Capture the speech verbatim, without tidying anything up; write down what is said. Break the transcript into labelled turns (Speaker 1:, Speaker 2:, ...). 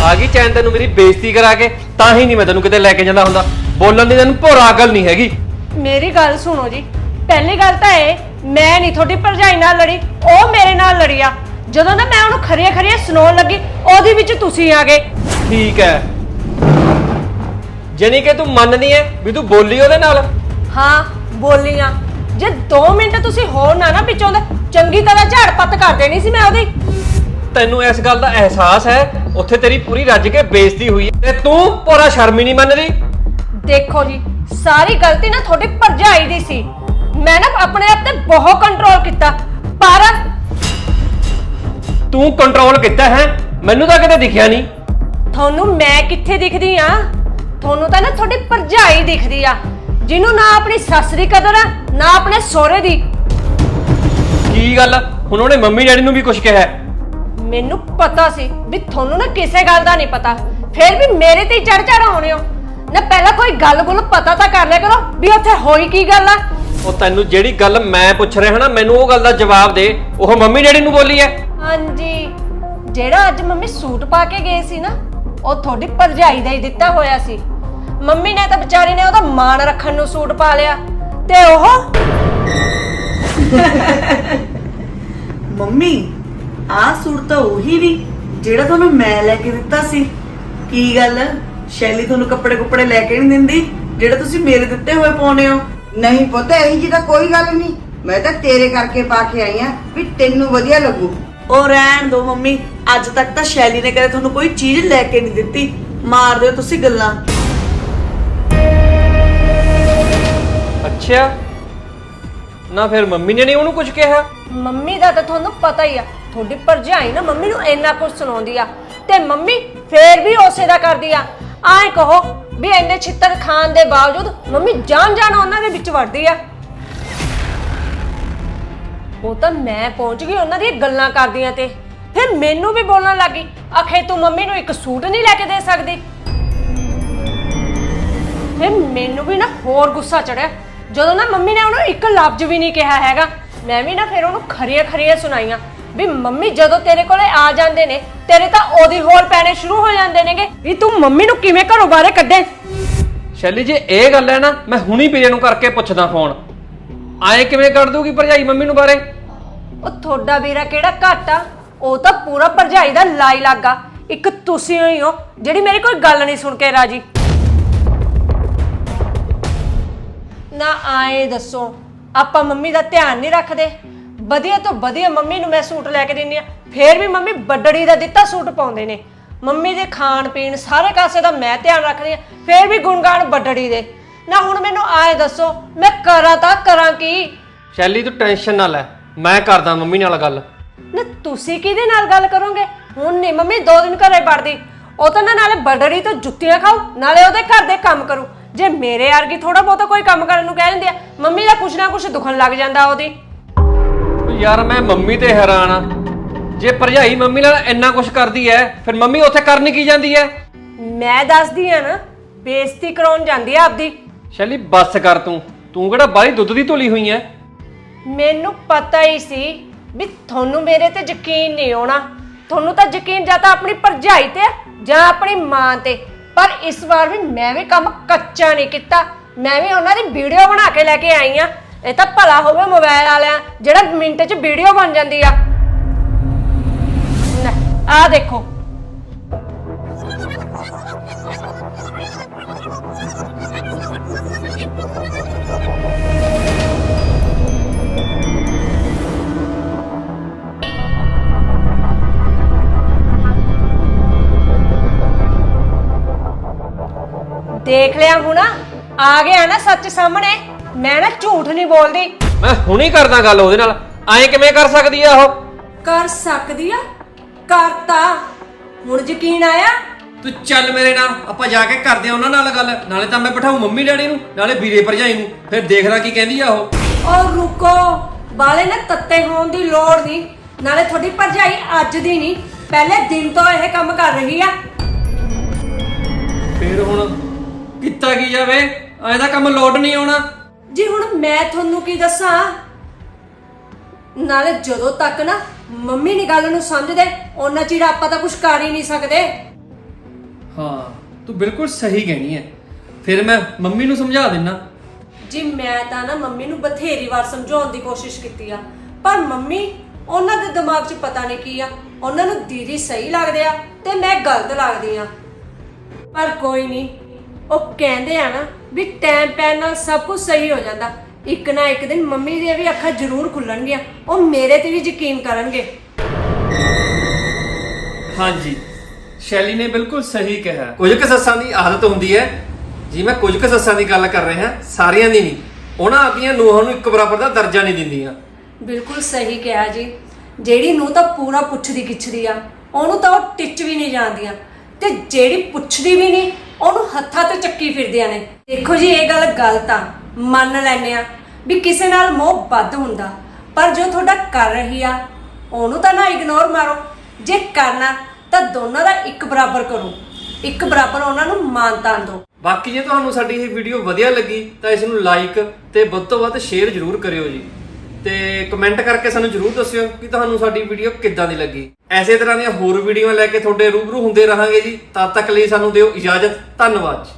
Speaker 1: आ गई चैन तेन मेरी बेइज्जती करा के तां ही नहीं मैं तेन किते लेके जांदा हुंदा बोलन दी तेन भोरा अकल नहीं हैगी।
Speaker 2: मेरी गल सुनो जी, पहली गल तां ਇਹ मैं नहीं थोड़ी भरजाई नाल लड़ी, ਉਹ ਮੇਰੇ ਨਾਲ लड़ी आ। ਜਦੋਂ ना मैं ਉਹਨੂੰ ਖਰੀਆਂ ਖਰੀਆਂ ਸੁਣਾਉਣ ਲੱਗੀ ਉਹਦੇ ਵਿੱਚ ਤੁਸੀਂ ਆ ਗਏ।
Speaker 1: ठीक है ਜਾਨੀ कि तू ਮੰਨਦੀ है भी तू बोली ਉਹਦੇ ਨਾਲ?
Speaker 2: हाँ बोली आ। ਜੇ दो मिनट ਤੁਸੀਂ ਹੋਰ ਨਾ ਨਾ ਪਿੱਛੋਂ ਦਾ ਚੰਗੀ ਤਰ੍ਹਾਂ ਝਾੜ ਪੱਤ ਕਰ ਦੇਣੀ ਸੀ ਮੈਂ ਉਹਦੀ।
Speaker 1: ਤੈਨੂੰ ਇਸ ਗੱਲ ਦਾ ਅਹਿਸਾਸ ਹੈ ਉੱਥੇ ਤੇਰੀ ਪੂਰੀ ਰੱਜ ਕੇ ਬੇਇੱਜ਼ਤੀ ਹੋਈ ਹੈ ਤੇ ਤੂੰ ਪੂਰਾ ਸ਼ਰਮ ਹੀ ਨਹੀਂ ਮੰਨਦੀ।
Speaker 2: ਦੇਖੋ ਜੀ ਸਾਰੀ ਗਲਤੀ ਨਾ ਤੁਹਾਡੀ ਭਰਜਾਈ ਦੀ ਸੀ। ਮੈਂ ਨਾ ਆਪਣੇ ਆਪ ਤੇ ਬਹੁਤ ਕੰਟਰੋਲ ਕੀਤਾ ਪਰ
Speaker 1: ਤੂੰ ਕੰਟਰੋਲ ਕੀਤਾ ਹੈ ਮੈਨੂੰ ਤਾਂ ਕਿਤੇ ਦਿਖਿਆ ਨਹੀਂ।
Speaker 2: ਤੁਹਾਨੂੰ ਮੈਂ ਕਿੱਥੇ ਦਿਖਦੀ ਆ? ਤੁਹਾਨੂੰ ਤਾਂ ਨਾ ਤੁਹਾਡੀ ਭਰਜਾਈ ਦਿਖਦੀ ਆ ਜਿਹਨੂੰ ਨਾ ਆਪਣੀ ਸੱਸ ਦੀ ਕਦਰ ਆ ਨਾ ਆਪਣੇ ਸਹੁਰੇ ਦੀ।
Speaker 1: ਕੀ ਗੱਲ ਹੁਣ ਉਹਨੇ ਮੰਮੀ ਡੈਡੀ ਨੂੰ ਵੀ ਕੁਝ ਕਿਹਾ?
Speaker 2: ਮੈਨੂੰ ਪਤਾ ਸੀ ਵੀ ਤੁਹਾਨੂੰ ਨਾ ਕਿਸੇ ਗੱਲ ਦਾ ਨਹੀਂ ਪਤਾ ਫਿਰ ਵੀ ਮੇਰੇ ਤੇ ਚੜ ਚੜ ਆਉਣੇ ਹੋ ਨਾ। ਪਹਿਲਾਂ ਕੋਈ ਗੱਲ ਗੁੱਲ ਪਤਾ ਤਾਂ ਕਰ ਲਿਆ ਕਰੋ ਵੀ ਉੱਥੇ ਹੋਈ ਕੀ ਗੱਲ ਆ।
Speaker 1: ਉਹ ਤੈਨੂੰ ਜਿਹੜੀ ਗੱਲ ਮੈਂ ਪੁੱਛ ਰਿਹਾ ਨਾ ਮੈਨੂੰ ਉਹ ਗੱਲ ਦਾ ਜਵਾਬ ਦੇ। ਉਹ ਮੰਮੀ ਡੈਡੀ ਨੂੰ ਬੋਲੀ ਹੈ?
Speaker 2: ਹਾਂਜੀ ਜਿਹੜਾ ਅੱਜ ਮੰਮੀ ਸੂਟ ਪਾ ਕੇ ਗਏ ਸੀ ਨਾ ਉਹ ਤੁਹਾਡੀ ਭਰਜਾਈ ਦਾ ਹੀ ਦਿੱਤਾ ਹੋਇਆ ਸੀ। ਮੰਮੀ ਨੇ ਤਾਂ ਵਿਚਾਰੀ ਨੇ ਉਹਦਾ ਮਾਣ ਰੱਖਣ ਨੂੰ ਸੂਟ ਪਾ ਲਿਆ ਤੇ ਉਹ
Speaker 3: ਮੰਮੀ ਆਹ ਸੂਟ ਤਾਂ ਉਹੀ ਨਹੀਂ ਜਿਹੜਾ ਤੁਹਾਨੂੰ ਮੈਂ ਲੈ ਕੇ ਦਿੱਤਾ ਸੀ। ਕੀ ਗੱਲ ਸ਼ੈਲੀ ਤੁਹਾਨੂੰ ਕੱਪੜੇ ਕੁੱਪੜੇ ਲੈ ਕੇ ਨਹੀਂ ਦਿੰਦੀ ਜਿਹੜੇ ਤੁਸੀਂ ਮੇਰੇ ਦਿੱਤੇ ਹੋਏ ਪਾਉਨੇ ਹੋ?
Speaker 4: ਨਹੀਂ ਪੁੱਤ ਇਹੀ ਜੀ ਤਾਂ ਕੋਈ ਗੱਲ ਨਹੀਂ, ਮੈਂ ਤਾਂ ਤੇਰੇ ਕਰਕੇ ਪਾ ਕੇ ਆਈ ਆ ਵੀ ਤੈਨੂੰ ਵਧੀਆ ਲੱਗੂ।
Speaker 3: ਉਹ ਰਹਿਣ ਦੋ ਮੰਮੀ, ਅੱਜ ਤੱਕ ਤਾਂ ਸ਼ੈਲੀ ਨੇ ਕਦੇ ਤੁਹਾਨੂੰ ਕੋਈ ਚੀਜ਼ ਲੈ ਕੇ ਨਹੀਂ ਦਿੱਤੀ। ਮਾਰ ਦਿਓ ਤੁਸੀਂ ਗੱਲਾਂ।
Speaker 1: ਅੱਛਾ ਨਾ ਫਿਰ ਮੰਮੀ ਨੇ ਨਹੀਂ ਉਹਨੂੰ ਕੁਝ ਕਿਹਾ?
Speaker 2: ਮੰਮੀ ਦਾ ਤਾਂ ਤੁਹਾਨੂੰ ਪਤਾ ਹੀ ਆ ਤੁਹਾਡੀ ਭਰਜਾਈ ਨਾ ਮੰਮੀ ਨੂੰ ਇੰਨਾ ਕੁਝ ਸੁਣਾਉਂਦੀ ਆ ਤੇ ਮੰਮੀ ਫੇਰ ਵੀ ਉਸੇ ਦਾ ਕਰਦੀ ਆ। ਆਏ ਕਹੋ ਵੀ ਇੰਨੇ ਛਿੱਤਰ ਖਾਣ ਦੇ ਬਾਵਜੂਦ ਮੰਮੀ ਜਾਣ ਜਾਣ ਉਹਨਾਂ ਦੇ ਵਿੱਚ ਵੜਦੀ ਆ। ਉਹ ਤਾਂ ਮੈਂ ਪਹੁੰਚ ਗਈ ਉਹਨਾਂ ਦੀਆਂ ਗੱਲਾਂ ਕਰਦੀਆਂ ਤੇ ਫਿਰ ਮੈਨੂੰ ਵੀ ਬੋਲਣ ਲੱਗੀ ਆਖੇ ਤੂੰ ਮੰਮੀ ਨੂੰ ਇੱਕ ਸੂਟ ਨਹੀਂ ਲੈ ਕੇ ਦੇ ਸਕਦੀ। ਫਿਰ ਮੈਨੂੰ ਵੀ ਨਾ ਹੋਰ ਗੁੱਸਾ ਚੜਿਆ ਜਦੋਂ ਨਾ ਮੰਮੀ ਨੇ ਉਹਨੂੰ ਇੱਕ ਲਫ਼ਜ਼ ਵੀ ਨਹੀਂ ਕਿਹਾ ਹੈਗਾ। ਮੈਂ ਵੀ ਨਾ ਫਿਰ ਉਹਨੂੰ ਖਰੀਆਂ ਖਰੀਆਂ ਸੁਣਾਈਆਂ ਵੀ ਮੰਮੀ ਜਦੋਂ ਤੇਰੇ ਕੋਲੇ ਆ ਜਾਂਦੇ ਨੇ ਤੇਰੇ ਤਾਂ ਉਹਦੀ ਹੋਰ ਪੈਣੇ ਸ਼ੁਰੂ ਹੋ ਜਾਂਦੇ ਨੇਗੇ ਵੀ ਤੂੰ ਮੰਮੀ ਨੂੰ ਕਿਵੇਂ ਘਰੋਂ ਬਾਹਰ ਕੱਢੇ।
Speaker 1: ਸ਼ੈਲੀ ਜੇ ਇਹ ਗੱਲ ਹੈ ਨਾ ਮੈਂ ਹੁਣੀ ਪੀਰੇ ਨੂੰ ਕਰਕੇ ਪੁੱਛਦਾ ਫੋਨ। ਆਏ ਕਿਵੇਂ ਕੱਢ ਦੂਗੀ ਭਰਜਾਈ ਮੰਮੀ ਨੂੰ ਬਾਰੇ?
Speaker 2: ਉਹ ਤੁਹਾਡਾ ਵੀਰਾ ਕਿਹੜਾ ਘੱਟ ਆ, ਉਹ ਤਾਂ ਪੂਰਾ ਭਰਜਾਈ ਦਾ ਲਾਈ ਲੱਗਾ। ਇੱਕ ਤੁਸੀਂ ਹੀ ਹੋ ਜਿਹੜੀ ਮੇਰੀ ਕੋਈ ਗੱਲ ਨਹੀਂ ਸੁਣ ਕੇ ਰਾਜੀ। ਨਾ ਆਏ ਦੱਸੋ ਆਪਾਂ ਮੰਮੀ ਦਾ ਧਿਆਨ ਨਹੀਂ ਰੱਖਦੇ? ਵਧੀਆ ਤੋਂ ਵਧੀਆ ਮੰਮੀ ਨੂੰ ਮੈਂ ਸੂਟ ਲੈ ਕੇ ਦਿੰਨੀ ਆ ਫੇਰ ਵੀ ਮੰਮੀ ਬੱਡੜੀ ਦਾ ਦਿੱਤਾ ਸੂਟ ਪਾਉਂਦੇ ਨੇ। ਮੰਮੀ ਦੇ ਖਾਣ ਪੀਣ ਸਾਰੇ ਕਾਸੇ ਦਾ ਮੈਂ ਧਿਆਨ ਰੱਖਦੀ ਆ ਫੇਰ ਵੀ ਗੁਣਗਾਨ ਬੱਡੜੀ ਦੇ। ਨਾ ਹੁਣ ਮੈਨੂੰ ਆਏ ਦੱਸੋ ਮੈਂ ਕਰਾਂ ਤਾਂ ਕਰਾਂ ਕੀ?
Speaker 1: ਸ਼ੈਲੀ ਤੂੰ ਟੈਨਸ਼ਨ ਨਾ ਲੈ ਮੈਂ ਕਰਦਾ ਮੰਮੀ ਨਾਲ ਗੱਲ।
Speaker 2: ਨਾ ਤੁਸੀਂ ਕਿਹਦੇ ਨਾਲ ਗੱਲ ਕਰੋਗੇ? ਹੁਣ ਨਹੀਂ ਮੰਮੀ ਦੋ ਦਿਨ ਘਰੇ ਵੜਦੀ। ਉਹ ਤਾਂ ਨਾ ਨਾਲੇ ਬੱਡੜੀ ਤੋਂ ਜੁੱਤੀਆਂ ਖਾਓ ਨਾਲੇ ਉਹਦੇ ਘਰ ਦੇ ਕੰਮ ਕਰੂ। ਜੇ ਮੇਰੇ ਵਰਗੀ ਥੋੜਾ ਬਹੁਤਾ ਕੋਈ ਕੰਮ ਕਰਨ ਨੂੰ ਕਹਿ ਦਿੰਦੇ ਆ ਮੰਮੀ ਦਾ ਕੁਛ ਨਾ ਕੁਛ ਦੁਖਣ ਲੱਗ ਜਾਂਦਾ ਉਹਦੀ।
Speaker 1: ਯਾਰ ਮੈਂ ਮੰਮੀ ਤੇ ਹੈਰਾਨ ਆ। ਜੇ ਭਰਜਾਈ ਮੰਮੀ ਨਾਲ ਇੰਨਾ ਕੁਝ ਕਰਦੀ ਐ ਫਿਰ ਮੰਮੀ ਉੱਥੇ ਕਰਨ ਕੀ ਜਾਂਦੀ ਐ?
Speaker 2: ਮੈਂ ਦੱਸਦੀ ਆ ਨਾ ਬੇਇੱਜ਼ਤੀ ਕਰਾਉਣ ਜਾਂਦੀ ਆ ਆਪਦੀ।
Speaker 1: ਸ਼ੈਲੀ ਬੱਸ ਕਰ ਤੂੰ ਤੂੰ ਕਿਹੜਾ ਬਾਹਲੀ ਦੁੱਧ ਦੀ ਧੁਲੀ ਹੋਈ ਐ।
Speaker 2: ਮੈਨੂੰ ਪਤਾ ਹੀ ਸੀ ਵੀ ਤੁਹਾਨੂੰ ਮੇਰੇ ਤੇ ਯਕੀਨ ਨਹੀਂ ਆਉਣਾ। ਤੁਹਾਨੂੰ ਤਾਂ ਯਕੀਨ ਜਾਂ ਤਾਂ ਆਪਣੀ ਭਰਜਾਈ ਤੇ ਜਾਂ ਆਪਣੀ ਮਾਂ ਤੇ, ਪਰ ਇਸ ਵਾਰ ਵੀ ਮੈਂ ਵੀ ਕੰਮ ਕੱਚਾ ਨਹੀਂ ਕੀਤਾ। ਮੈਂ ਵੀ ਉਹਨਾਂ ਦੀ ਵੀਡੀਓ ਬਣਾ ਕੇ ਲੈ ਕੇ ਆਈ ਆ। ਇਹ ਤਾਂ ਭਲਾ ਹੋਵੇ ਮੋਬਾਈਲ ਵਾਲਿਆਂ ਜਿਹੜਾ ਮਿੰਟ 'ਚ ਵੀਡੀਓ ਬਣ ਜਾਂਦੀ ਆ। ਆ ਦੇਖੋ ਦੇਖ ਲਿਆ ਹੁਣ ਆ ਗਿਆ ਨਾ ਸੱਚ ਸਾਹਮਣੇ। ਮੈਂ ਨਾ ਝੂਠ ਨਹੀਂ ਬੋਲਦੀ।
Speaker 1: ਮੈਂ ਹੁਣੀ ਕਰਦਾ ਗੱਲ ਉਹਦੇ ਨਾਲ। ਐਂ ਕਿਵੇਂ ਕਰ ਸਕਦੀ ਆ ਉਹ?
Speaker 2: ਕਰ ਸਕਦੀ ਆ ਕਰਤਾ ਹੁਣ ਯਕੀਨ ਆਇਆ?
Speaker 1: ਤੂੰ ਚੱਲ ਮੇਰੇ ਨਾਲ ਆਪਾਂ ਜਾ ਕੇ ਕਰਦੇ ਆ ਉਹਨਾਂ ਨਾਲ ਗੱਲ। ਨਾਲੇ ਤਾਂ ਮੈਂ ਬਿਠਾਉ ਮੰਮੀ ਡੈਡੀ ਨੂੰ ਨਾਲੇ ਵੀਰੇ ਭਰਜਾਈ ਨੂੰ ਫਿਰ ਦੇਖਦਾ ਕੀ ਕਹਿੰਦੀ ਆ ਉਹ।
Speaker 2: ਔਰ ਰੁਕੋ ਬਾਲੇ ਨਾ ਤੱਤੇ ਹੋਣ ਦੀ ਲੋੜ ਨਹੀਂ। ਨਾਲੇ ਤੁਹਾਡੀ ਭਰਜਾਈ ਅੱਜ ਦੀ ਨਹੀਂ ਪਹਿਲੇ ਦਿਨ ਤੋਂ ਇਹ ਕੰਮ ਕਰ ਰਹੀ ਆ।
Speaker 1: ਫਿਰ ਹੁਣ ਕੀਤਾ ਕੀ ਜਾਵੇ? ਐਂ ਦਾ ਕੰਮ ਲੋਡ ਨਹੀਂ ਆਉਣਾ
Speaker 2: ਜੀ। ਹੁਣ ਮੈਂ ਤੁਹਾਨੂੰ ਕੀ ਦੱਸਾਂ? ਨਾਲੇ ਜਦੋਂ ਤੱਕ ਨਾ ਮੰਮੀ ਨੀ ਗੱਲ ਨੂੰ ਸਮਝਦੇ ਉਹਨਾਂ ਚਿਰ ਆਪਾਂ ਤਾਂ ਕੁਝ ਕਰ ਹੀ ਨਹੀਂ ਸਕਦੇ।
Speaker 1: ਹਾਂ ਤੂੰ ਬਿਲਕੁਲ ਸਹੀ ਕਹਿਣੀ ਹੈ। ਫਿਰ ਮੈਂ ਮੰਮੀ ਨੂੰ ਸਮਝਾ ਦਿੰਨਾ।
Speaker 2: ਜੀ ਮੈਂ ਤਾਂ ਨਾ ਮੰਮੀ ਨੂੰ ਬਥੇਰੀ ਵਾਰ ਸਮਝਾਉਣ ਦੀ ਕੋਸ਼ਿਸ਼ ਕੀਤੀ ਆ, ਪਰ ਮੰਮੀ ਉਹਨਾਂ ਦੇ ਦਿਮਾਗ 'ਚ ਪਤਾ ਨਹੀਂ ਕੀ ਆ, ਉਹਨਾਂ ਨੂੰ ਦੀਦੀ ਸਹੀ ਲੱਗਦੇ ਆ ਤੇ ਮੈਂ ਗਲਤ ਲੱਗਦੀ ਆ। ਪਰ ਕੋਈ ਨਹੀਂ, ਉਹ ਕਹਿੰਦੇ ਆ ਨਾ ਵੀ ਟਾਈਮ ਪੈਣ ਨਾਲ ਸਭ ਕੁਝ ਸਹੀ ਹੋ ਜਾਂਦਾ। ਇੱਕ ਨਾ ਇੱਕ ਦਿਨ ਮੰਮੀ ਦੀਆਂ ਵੀ ਅੱਖਾਂ ਜ਼ਰੂਰ ਖੁੱਲਣਗੀਆਂ, ਉਹ ਮੇਰੇ ਤੇ ਵੀ ਯਕੀਨ ਕਰਨਗੇ।
Speaker 1: ਹਾਂਜੀ ਸ਼ੈਲੀ ਨੇ ਬਿਲਕੁਲ ਸਹੀ ਕਿਹਾ। ਕੁਝ ਕੁ ਸੱਸਾਂ ਦੀ ਆਦਤ ਹੁੰਦੀ ਹੈ, ਜੀ ਮੈਂ ਕੁਝ ਕੁ ਸੱਸਾਂ ਦੀ ਗੱਲ ਕਰ ਰਿਹਾ, ਸਾਰਿਆਂ ਦੀ ਨਹੀਂ। ਉਹਨਾਂ ਆਪਣੀਆਂ ਨੂੰਹਾਂ ਨੂੰ ਇੱਕ ਬਰਾਬਰ ਦਾ ਦਰਜਾ ਨਹੀਂ ਦਿੰਦੀਆਂ।
Speaker 2: ਬਿਲਕੁਲ ਸਹੀ ਕਿਹਾ ਜੀ। ਜਿਹੜੀ ਨੂੰ ਤਾਂ ਪੂਰਾ ਪੁੱਛਦੀ ਗਿੱਛਦੀ ਆ, ਉਹਨੂੰ ਤਾਂ ਉਹ ਟਿੱਚ ਵੀ ਨਹੀਂ ਜਾਂਦੀਆਂ, ਤੇ ਜਿਹੜੀ ਪੁੱਛਦੀ ਵੀ ਨਹੀਂ ਉਹਨੂੰ ਹੱਥਾਂ ਤੇ ਚੱਕੀ ਫਿਰਦੀਆਂ ਨੇ। ਦੇਖੋ ਜੀ ਇਹ ਗੱਲ ਗਲਤ ਆ, ਮੰਨ ਲੈਨੇ ਆ ਵੀ ਕਿਸੇ ਨਾਲ ਮੋਹ ਵੱਧ ਹੁੰਦਾ, ਪਰ ਜੋ ਤੁਹਾਡਾ ਕਰ ਰਹੀ ਆ ਉਹਨੂੰ ਤਾਂ ਨਾ ਇਗਨੋਰ ਮਾਰੋ। ਜੇ ਕਰਨਾ ਤਾਂ ਦੋਨਾਂ ਦਾ ਇੱਕ ਬਰਾਬਰ ਕਰੋ, ਇੱਕ ਬਰਾਬਰ ਉਹਨਾਂ ਨੂੰ ਮਾਨਤਾ ਦਿਓ।
Speaker 1: ਬਾਕੀ ਜੇ ਤੁਹਾਨੂੰ ਸਾਡੀ ਇਹ ਵੀਡੀਓ ਵਧੀਆ ਲੱਗੀ ਤਾਂ ਇਸ ਨੂੰ ਲਾਈਕ ਤੇ ਵੱਧ ਤੋਂ ਵੱਧ ਸ਼ੇਅਰ ਜ਼ਰੂਰ ਕਰਿਓ ਜੀ, ਤੇ ਕਮੈਂਟ ਕਰਕੇ ਸਾਨੂੰ ਜ਼ਰੂਰ ਦੱਸਿਓ ਕਿ ਤੁਹਾਨੂੰ ਸਾਡੀ ਵੀਡੀਓ ਕਿੱਦਾਂ ਦੀ ਲੱਗੀ। ਐਸੇ ਤਰ੍ਹਾਂ ਦੀਆਂ ਹੋਰ ਵੀਡੀਓਆਂ ਲੈ ਕੇ ਤੁਹਾਡੇ ਰੂਬਰੂ ਹੁੰਦੇ ਰਹਾਂਗੇ ਜੀ। ਤਦ ਤੱਕ ਲਈ ਸਾਨੂੰ ਦਿਓ ਇਜਾਜ਼ਤ। ਧੰਨਵਾਦ ਜੀ।